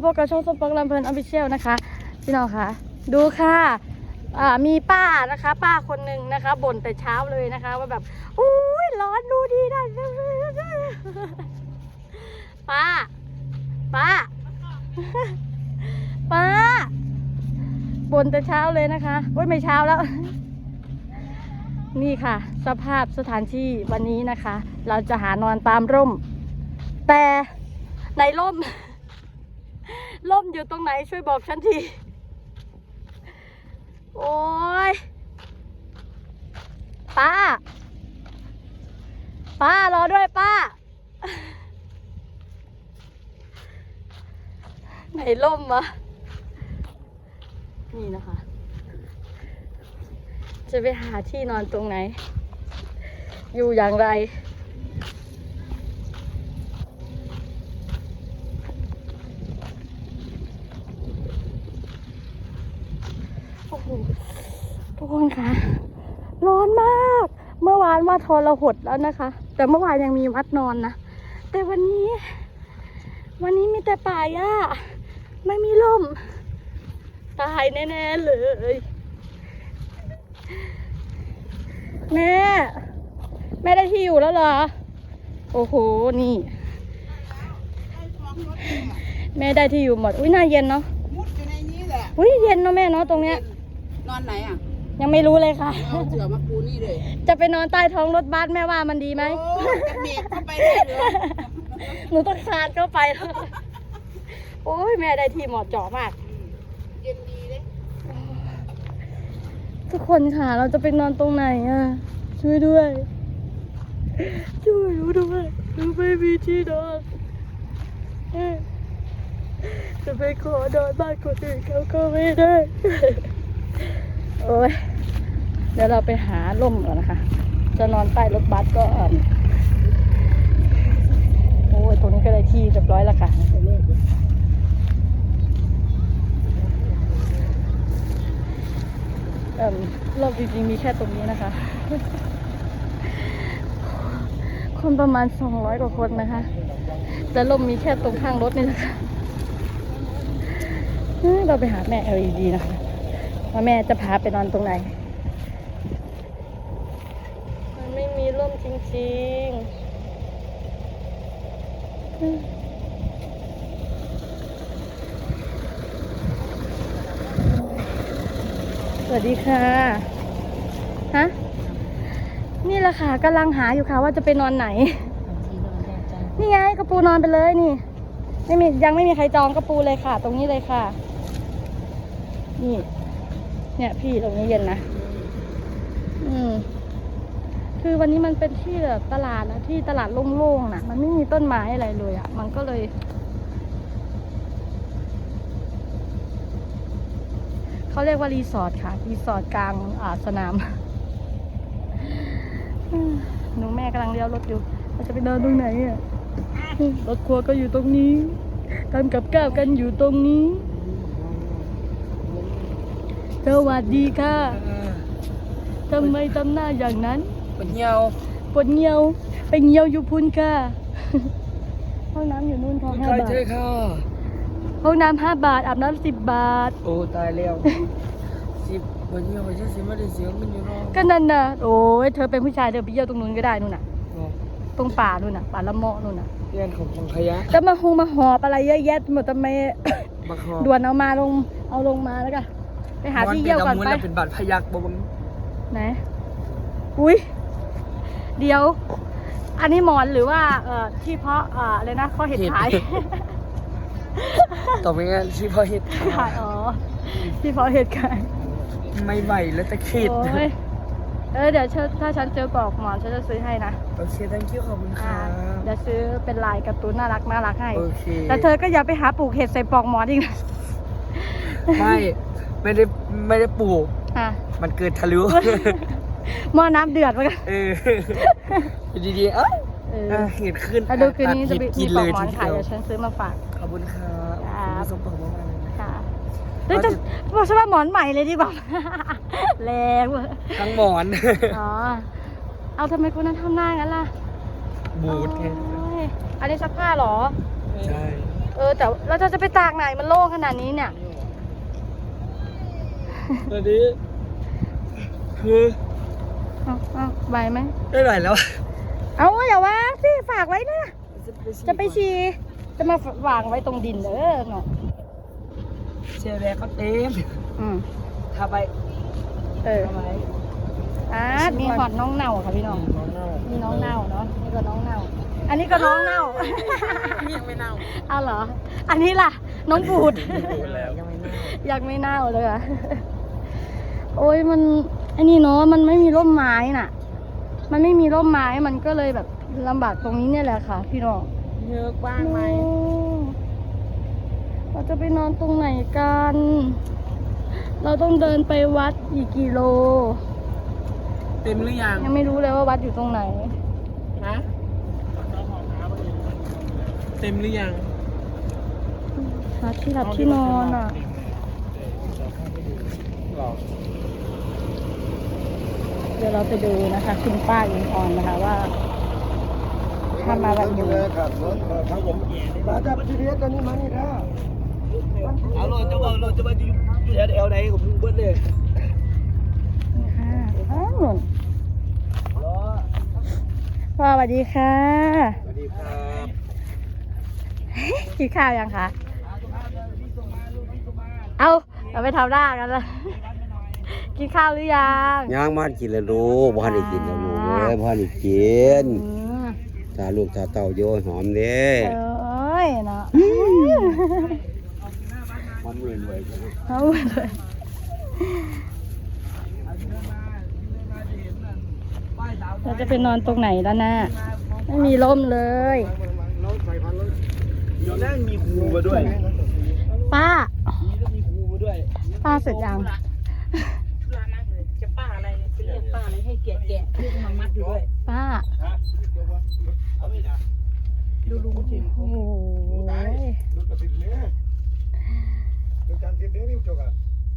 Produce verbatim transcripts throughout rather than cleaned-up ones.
พบกับช่องส้มปอกลำเพลินออฟฟิเชียลนะคะพี่น้องค่ะดูค่ะอ่ามีป้านะคะป้าคนหนึ่งนะคะบ่นแต่เช้าเลยนะคะว่าแบบอุ้ยร้อนดูดีนะป้าป้าป้าบ่นแต่เช้าเลยนะคะโอ้ยไม่เช้าแล้วนี่ค่ะสภาพสถานที่วันนี้นะคะเราจะหานอนตามร่มแต่ในร่มร่มอยู่ตรงไหนช่วยบอกฉันทีโอ้ยป้าป้ารอด้วยป้าไหนร่มวะนี่นะคะจะไปหาที่นอนตรงไหนอยู่อย่างไรโอ้โหทุกคนคะร้อนมากเมื่อวานว่าทรหดแล้วนะคะแต่เมื่อวานยังมีวัดนอนนะแต่วันนี้วันนี้มีแต่ป่าหญ้าไม่มีลมตายแน่ๆเลยแม่แม่ได้ที่อยู่แล้วเหรอโอ้โหนี่แม่ได้ที่อยู่หมดอุ้ยน่าเย็นเนาะมุดอยู่ในนี้แหละอุ้ยเย็นเนาะแม่เนาะตรงเนี้ยนอนไหนอ่ะยังไม่รู้เลยค่ะเอาเสือมาปูนี่เลยจะไปนอนใต้ท้องรถบัสแม่ว่ามันดีไหมจะเบรกเข้าไปได้เหรอหนูต้องคานเข้าไปโอ้ยแม่ได้ที่เหมาะเจาะมากเย็นดีเลยทุกคนค่ะเราจะไปนอนตรงไหนอ่ะช่วยด้วยช่วยหนูด้วยหนูไม่มีที่นอนจะไปขอนอนบ้านคนอื่นเขาก็ไม่ได้โอ้ยเดี๋ยวเราไปหาร่มก่อนนะคะจะนอนใต้รถบัสก็โอ้ยตรงนี้ก็ได้ที่เรียบร้อยแล้วค่ะเอ่อรอบจริงๆมีแค่ตรงนี้นะคะคนประมาณสองร้อยกว่าคนนะคะแต่ร่มมีแค่ตรงข้างรถนี่นะคะเราไปหาแม่ แอล อี ดี นะคะว่าแม่จะพาไปนอนตรงไหนมันไม่มีร่มจริงๆสวัสดีค่ะฮะนี่แหละค่ะกำลังหาอยู่ค่ะว่าจะไปนอนไหนนี่ไงกระปูนอนไปเลยนี่ไม่มียังไม่มีใครจองกระปูเลยค่ะตรงนี้เลยค่ะนี่เนี่ยพี่ตรงนี้เย็นนะอืมคือวันนี้มันเป็นที่แบบตลาดนะที่ตลาดโล่งๆนะมันไม่มีต้นไม้อะไรเลยอ่ะมันก็เลยเขาเรียกว่ารีสอร์ทค่ะรีสอร์ทกลางอ่าสนามหนูแม่กำลังเลี้ยวรถอยู่เราจะไปเดินตรงไหนอ่ะรถครัวก็อยู่ตรงนี้ทำกับข้าวกันอยู่ตรงนี้สวัสดีค่ะทำไมทำหน้าอย่างนั้นปวดเหี่ยวปวดเหี่ยวไปเหี่ยวอยู่พุ่นค่ะห้องน้ำอยู่นู่นค่ะห้าบาทห้องน้ำห้าบาทอาบน้ำสิบบาทโอ้ตายแล้วสิบปวดเหี่ยวไปใช่สิไม่ได้เสียเงินอยู่เนาะก็นั่นน่ะโอ้ยเธอเป็นผู้ชายเธอไปเยี่ยวตรงนู้นก็ได้นู่นน่ะตรงป่านู่นน่ะป่าละเมาะนู่นน่ะเรื่องของขยะจะมาหงมาหอบอะไรเยอะแยะหมดทำไมด่วนเอามาลงเอาลงมาแล้วกันไปหาที่เยี่ยวก่อนไปเป็นบาดพยักบ่บังไหนอุ้ยเดี๋ยวอันนี้หมอนหรือว่าเอ่อที่เพาะอ่าอะไรนะข้อเห็ดขายต่อไปงั้นที่พ่อเห็ดขายอ๋อที่เพาะเห็ดขายไม่ไหวแล้วจะคิดเออเดี๋ยวถ้าฉันเจอปลอกหมอนฉันจะซื้อให้นะโอเค thank you ขอบคุณค่ะเดี๋ยวซื้อเป็นลายการ์ตูนน่ารักน่ารักให้โอเคแต่เธอก็อย่าไปหาปลูกเห็ดใส่ปลอกหมอนอีกนะไม่ไม่ได้ไม่ได้ปลูกมันเกิดทะลุหม้อน้ำเดือดมากันเออดีๆเอ้าเห็ดขึ้นดูคืนนี้จะมีปลอกหมอนขายเดี๋ยวฉันซื้อมาฝากขอบคุณครับขอบคุณสมบัติมากเลยค่ะเฮ้ยจะบอกฉันว่าหมอนใหม่เลยดีกว่าแรงว่ะทั้งหมอนอ๋อเอาทำไมคุณนั้นทำหน้างั้นล่ะบูดไงอันนี้ซักผ้าหรอใช่เออแต่เราจะจะไปตากไหนมันโล่งขนาดนี้เนี่ยตอนนี้คือเอาเอาไหวไหมไม่ไหวแล้วเอาอย่าวางสิฝากไว้นะจะไปฉี่จะมาวางไว้ตรงดินเด้อเนาะเชียร์แบกเขาเต็มอืมทำไปเออทำไมอ่ามีหอดน้องเน่าค่ะพี่น้องน้องเน่ามีน้องเน่าเนาะนี่ก็น้องเน่า อันนี้ก็น้องเน่ายังไม่เน่าเอาเหรอ อันนี้ล่ะ น้องบูดแล้วยังไม่เน่ายังไม่เน่าเลยอะโอ้ยมันอันนี้เนาะมันไม่มีร่มไม้น่ะ มันไม่มีร่มไม้มันก็เลยแบบลำบากตรงนี้เนี่ยแหละค่ะพี่น้องเยอะกว้างไหมโอ้เราจะไปนอนตรงไหนกัน เราต้องเดินไปวัดอีกกี่โลเต็มหรือยังยังไม่รู้เลยว่าวัดอยู่ตรงไหนฮะเต็มหรือยังหาที่หลับที่นอนอ่ะหรอเดี๋ยวเราไปดูนะคะคุณป้าอิงออนนะคะว่าถ้ามาวันนี้ครับรถครับผมมาจับทีเดียวตอนนี้มานี่นะเอาโลจะบอกโลจะมาอยู่อยู่แถวแถวไหนผมเบิ้ลเลยค่ะอ้าวหนุนรอพ่อสวัสดีค่ะสวัสดีครับกินข้าวยังคะ เอาเราไปทำหน้ากันละกินข้าวหรือยังย่างมากินแล้วลูกบ้านได้กินแล้วลูกเอ้ยบ้านได้กินอืมตาลูกตาเต่าโยหอมเด้เอ้ยเนาะหอมรวยๆจังเอาเลยเราจะไปนอนตรงไหนแล้วนะไม่มีร่มเลยเราใส่พันแล้วเดี๋ยวนั่งมีครูมาด้วยป้านี่ก็มีครูมาด้วยป้าเสร็จยังธุระมากเลยจะป้าอะไรเนี่ยจะเรียกป้าอะไรให้แกะแกะลูกมามัดอยู่ด้วยป้าดูลุงสิโอ้โหรถกระติดเนี่ยรถการติดเนี่ยนี่จกอ่ะ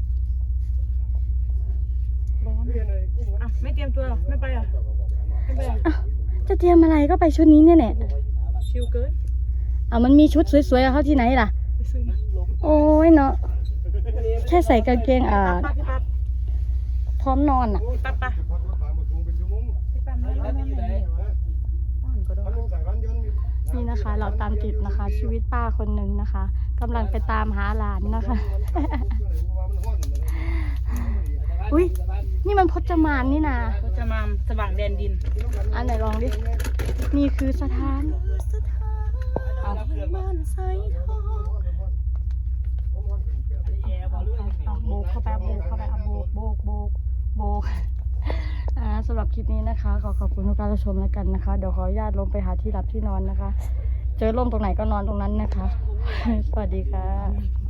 ร้อนอ่ะไม่เตรียมตัวหรอไม่ไปเหรอไม่ไปเหรออ้าวจะเตรียมอะไรก็ไปชุดนี้เนี่ยแหละชิลเกินอ่ะมันมีชุดสวยๆเขาที่ไหนล่ะไปซื้อมาโอ้ยเนาะแค่ใส่กางเกงอ่าป้าพี่ปั๊บพร้อมนอนอ่ะพี่ปั๊บป้าพันรถผ่านมาคงเป็นชั่วโมงพี่ปั๊บไม่ร้อนไม่เหนียวอ่อนก็ได้พันหนึ่งใส่พันยนต์นี่นะคะ เราตามติดนะคะ ชีวิตป้าคนหนึ่งนะคะกำลังไปตามหาหลานนะคะ อุ้ยนี่มันพจมานนี่นะเขาจะมาสว่างแดนดินอันไหนลองดินี่คือสถานเอาบ้านใส่ทองเอาโบกเข้าไปเอาโบกเข้าไปเอาโบกโบกโบกโบกอ่าสำหรับคลิปนี้นะคะ ขอขอบคุณทุกการรับชมแล้วกันนะคะ เดี๋ยวขออนุญาตลงไปหาที่หลับที่นอนนะคะ เจอร่มตรงไหนก็นอนตรงนั้นนะคะ สวัสดีค่ะ